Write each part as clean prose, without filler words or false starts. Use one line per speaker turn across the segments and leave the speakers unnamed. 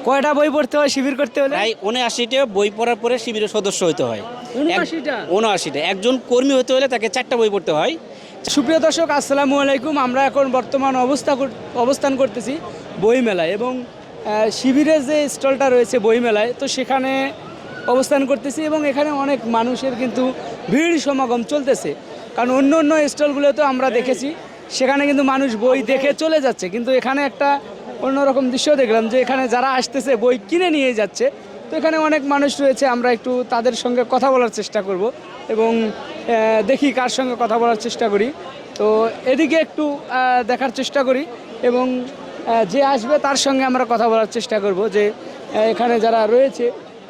কয়টা বই পড়তে হয় শিবির করতে হলে?
প্রায় ৭৯টা বই পড়ার পরে শিবিরের সদস্য হতে হয়।
৭৯টা?
৭৯টা। একজন কর্মী হতে হলে তাকে 4টা বই পড়তে হয়।
সুপ্রিয় দর্শক, আসসালামু আলাইকুম। আমরা এখন বর্তমান অবস্থান করতেছি বইমেলায় এবং শিবিরের যে স্টলটা রয়েছে বইমেলায়, তো সেখানে অবস্থান করতেছি এবং এখানে অনেক মানুষের কিন্তু ভিড় সমাগম চলতেছে। কারণ অন্য অন্য স্টলগুলোতে আমরা দেখেছি সেখানে কিন্তু মানুষ বই দেখে চলে যাচ্ছে, কিন্তু এখানে একটা অন্যরকম দৃশ্য দেখলাম যে এখানে যারা আসতেছে বই কিনে নিয়ে যাচ্ছে। তো এখানে অনেক মানুষ রয়েছে, আমরা একটু তাদের সঙ্গে কথা বলার চেষ্টা করব এবং দেখি কার সঙ্গে কথা বলার চেষ্টা করি। তো এদিকে একটু দেখার চেষ্টা করি এবং যে আসবে তার সঙ্গে আমরা কথা বলার চেষ্টা করব যে এখানে যারা রয়েছে।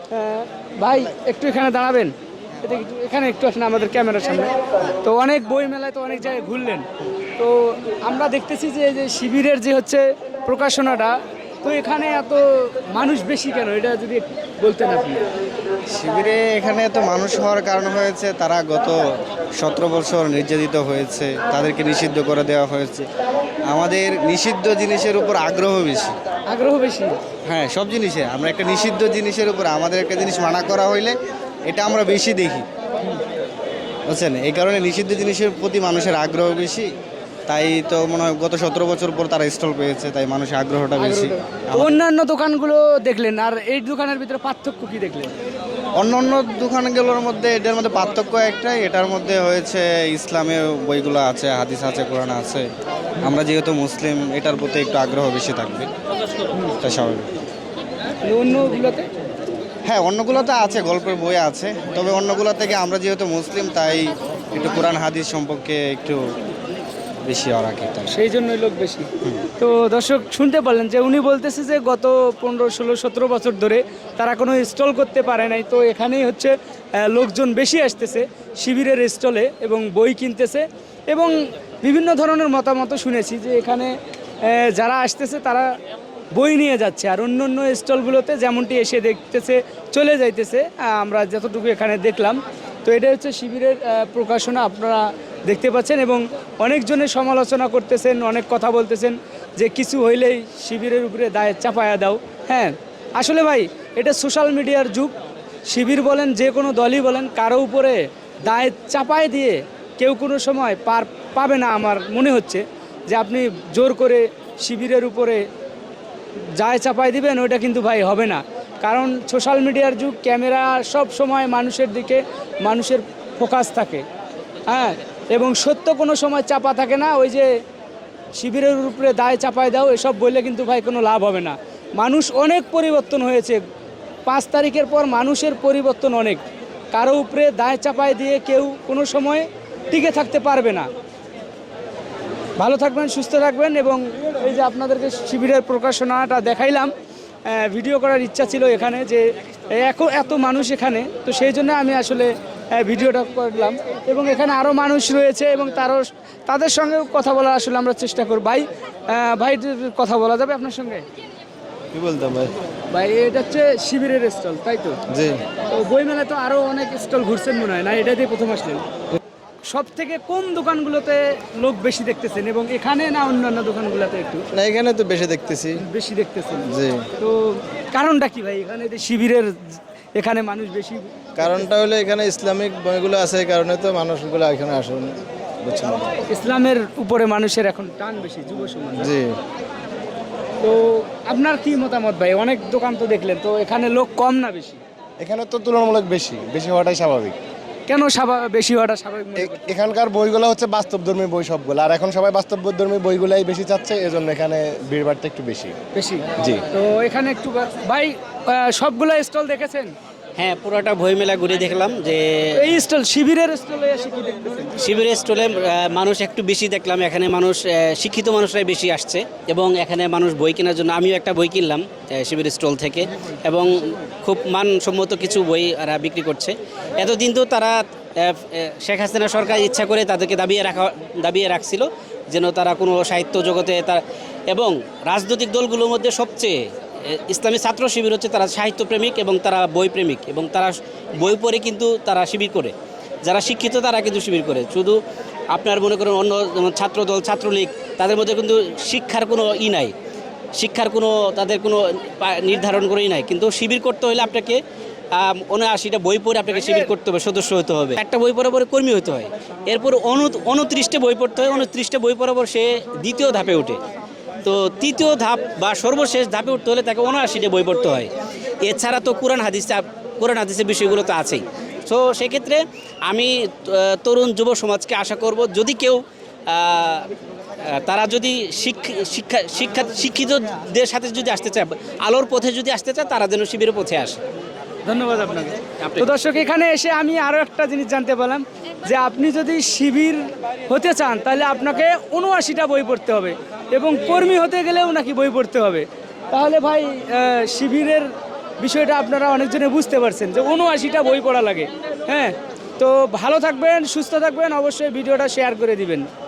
ভাই একটু এখানে দাঁড়াবেন, এখানে একটু আসেন আমাদের ক্যামেরার সামনে। তো অনেক বই মেলায় তো অনেক জায়গায় ঘুরলেন, তো আমরা দেখতেছি যে শিবিরের যে হচ্ছে প্রকাশনাটা, তো এখানে এত মানুষ বেশি কেন, এটা যদি বলতেন আপনি।
শিবিরে এখানে এত মানুষ হওয়ার কারণ হয়েছে তারা গত 17 বছর নির্যাতিত হয়েছে, তাদেরকে নিষিদ্ধ করে দেওয়া হয়েছে। আমাদের নিষিদ্ধ জিনিসের উপর আগ্রহ বেশি।
আগ্রহ বেশি?
হ্যাঁ, সব জিনিসে আমরা একটা নিষিদ্ধ জিনিসের উপর আমাদের একটা জিনিস মানা করা হইলে এটা আমরা বেশি দেখি, বুঝছেন। এই কারণে নিষিদ্ধ জিনিসের প্রতি মানুষের আগ্রহ বেশি, তাই তো মনে হয় গত 17 বছর পর তারা স্টল পেয়েছে, তাই মানুষের আগ্রহটা বেশি।
অন্যান্য দোকানগুলো দেখলেন, আর এই দোকানের ভিতরে পার্থক্য কি দেখলেন?
অন্য অন্য দোকানগুলোর মধ্যে এটার মধ্যে পার্থক্য একটাই, এটার মধ্যে হয়েছে ইসলামের বইগুলো আছে, হাদিস আছে, কোরআন আছে। আমরা যেহেতু মুসলিম, এটার প্রতি একটু আগ্রহ বেশি থাকবে, তাই স্বাভাবিক।
অন্যগুলোতে?
হ্যাঁ, অন্যগুলোতে আছে, গল্পের বই আছে, তবে অন্যগুলো থেকে আমরা যেহেতু মুসলিম তাই একটু কোরআন হাদিস সম্পর্কে একটু বেশি ওরা কি, তাই
সেই জন্যই লোক বেশি। তো দর্শক শুনতে পারলেন যে উনি বলতেছে যে গত 15, 16, 17 বছর ধরে তারা কোনো স্টল করতে পারে নাই, তো এখানেই হচ্ছে লোকজন বেশি আসতেছে শিবিরের স্টলে এবং বই কিনতেছে এবং বিভিন্ন ধরনের মতামত শুনেছি যে এখানে যারা আসতেছে তারা বই নিয়ে যাচ্ছে, আর অন্য অন্য স্টলগুলোতে যেমনটি এসে দেখতেছে চলে যাইতেছে। আমরা যতটুকু এখানে দেখলাম, তো এটা হচ্ছে শিবিরের প্রকাশনা আপনারা দেখতে পাচ্ছেন এবং অনেকজনের সমালোচনা করতেছেন, অনেক কথা বলতেছেন যে কিছু হইলেই শিবিরের উপরে দায় চাপায়া দাও। হ্যাঁ, আসলে ভাই এটা সোশ্যাল মিডিয়ার যুগ। শিবির বলেন, যে কোনো দলই বলেন, কারো উপরে দায় চাপায় দিয়ে কেউ কোনো সময় পার পাবে না। আমার মনে হচ্ছে যে আপনি জোর করে শিবিরের উপরে যায় চাপাই দিবেন, ওইটা কিন্তু ভাই হবে না। কারণ সোশ্যাল মিডিয়ার যুগ, ক্যামেরা সব সময় মানুষের দিকে, মানুষের ফোকাস থাকে। হ্যাঁ, এবং সত্য কোনো সময় চাপা থাকে না। ওই যে শিবিরের উপরে দায় চাপাই দাও এসব বললে কিন্তু ভাই কোনো লাভ হবে না। মানুষ অনেক পরিবর্তন হয়েছে, 5 তারিখের পর মানুষের পরিবর্তন অনেক। কারো উপরে দায় চাপাই দিয়ে কেউ কোনো সময় টিকে থাকতে পারবে না। ভালো থাকবেন, সুস্থ থাকবেন এবং এই যে আপনাদেরকে শিবিরের প্রকাশনাটা দেখাইলাম, ভিডিও করার ইচ্ছা ছিল এখানে যে এত মানুষ এখানে, তো সেই জন্য আমি আসলে ভিডিওটা করলাম এবং এখানে আরও মানুষ রয়েছে এবং তাদের সঙ্গে কথা বলার আসলে আমরা চেষ্টা করব। ভাই কথা বলা যাবে আপনার সঙ্গে?
কি বলতাম ভাই?
ভাই এটা হচ্ছে শিবিরের স্টল, তাই তো?
জি।
তো বইমেলায় তো আরও অনেক স্টল ঘুরছেন মনে হয়, না এটা দিয়ে প্রথম আসলেন? সব থেকে কোন দোকানগুলোতে লোক বেশি দেখতেছেন এবং এখানে না অন্যান্য দোকানগুলোতে? একটু
না, এখানে তো বেশি দেখতেছি।
বেশি দেখতেছেন?
জি।
তো কারণটা কি ভাই, এখানে যে শিবিরের এখানে মানুষ বেশি?
কারণটা হলো এখানে ইসলামিক বইগুলো আছে, এই কারণে তো মানুষগুলো এখানে আসেন, বুঝছেন।
ইসলামের উপরে মানুষের এখন টান বেশি, যুব সমাজ।
জি।
তো আপনার কি মতামত ভাই? অনেক দোকান তো দেখলেন, তো এখানে লোক কম না বেশি?
এখানে তো তুলনামূলক বেশি হওয়াটাই স্বাভাবিক।
কেন বেশি হওয়াটা স্বাভাবিক মনে করছেন?
এখানকার বইগুলো হচ্ছে বাস্তবধর্মী বই সবগুলো, আর এখন সবাই বাস্তবধর্মী বইগুলাই বেশি চাচ্ছে, এজন্য এখানে ভিড়ভাড়টা একটু বেশি। জি।
তো এখানে একটু ভাই সবগুলো স্টল দেখেছেন?
হ্যাঁ, পুরোটা বই মেলা ঘুরে দেখলাম যে
এই স্টল শিবিরের স্টলে এসে কি দেখতেছেন?
শিবিরের স্টলে মানুষ একটু বেশি দেখলাম। এখানে মানুষ শিক্ষিত মানুষরাই বেশি আসছে এবং এখানে মানুষ বই কেনার জন্য, আমিও একটা বই কিনলাম শিবিরের স্টল থেকে এবং খুব মানসম্মত কিছু বই এরা বিক্রি করছে। এতদিন তো তারা শেখ হাসিনা সরকার ইচ্ছা করে তাদেরকে দাবিয়ে রাখছিল যেন তারা কোনো সাহিত্য জগতে এবং রাজনৈতিক দলগুলোর মধ্যে সবচেয়ে ইসলামী ছাত্র শিবির হচ্ছে তারা সাহিত্যপ্রেমিক এবং তারা বই প্রেমিক এবং তারা বই পড়ে কিন্তু তারা শিবির করে। যারা শিক্ষিত তারা কিন্তু শিবির করে। শুধু আপনার মনে করেন অন্য যেমন ছাত্রদল, ছাত্রলীগ, তাদের মধ্যে কিন্তু শিক্ষার কোনো নাই। শিক্ষার কোনো তাদের কোনো নির্ধারণ করেই নাই, কিন্তু শিবির করতে হলে আপনাকে 79টা বই পড়ে আপনাকে শিবির করতে হবে, সদস্য হতে হবে, একটা বই পড়ার পরে কর্মী হতে হয়, এরপর 29টা বই পড়তে হয়, 29টা বই পড়ার পর সে দ্বিতীয় ধাপে ওঠে। তো তৃতীয় ধাপ বা সর্বশেষ ধাপে উঠতে হলে তাকে 79টা বই পড়তে হয়। এছাড়া তো কোরআন হাদিসের বিষয়গুলো তো আছেই। সো সেক্ষেত্রে আমি তরুণ যুব সমাজকে আশা করব, যদি কেউ তারা যদি শিক্ষিতদের সাথে যদি আসতে চায়, আলোর পথে যদি আসতে চায়, তারা যেন শিবিরের পথে আসে।
ধন্যবাদ আপনাকে। তো দর্শক, এখানে এসে আমি আরও একটা জিনিস জানতে পারলাম যে আপনি যদি শিবির হতে চান তাহলে আপনাকে 79টা বই পড়তে হবে এবং কর্মী হতে গেলেও নাকি বই পড়তে হবে। তাহলে ভাই শিবিরের বিষয়টা আপনারা অনেকজনে বুঝতে পারছেন যে 79টা বই পড়া লাগে। হ্যাঁ, তো ভালো থাকবেন, সুস্থ থাকবেন, অবশ্যই ভিডিওটা শেয়ার করে দিবেন।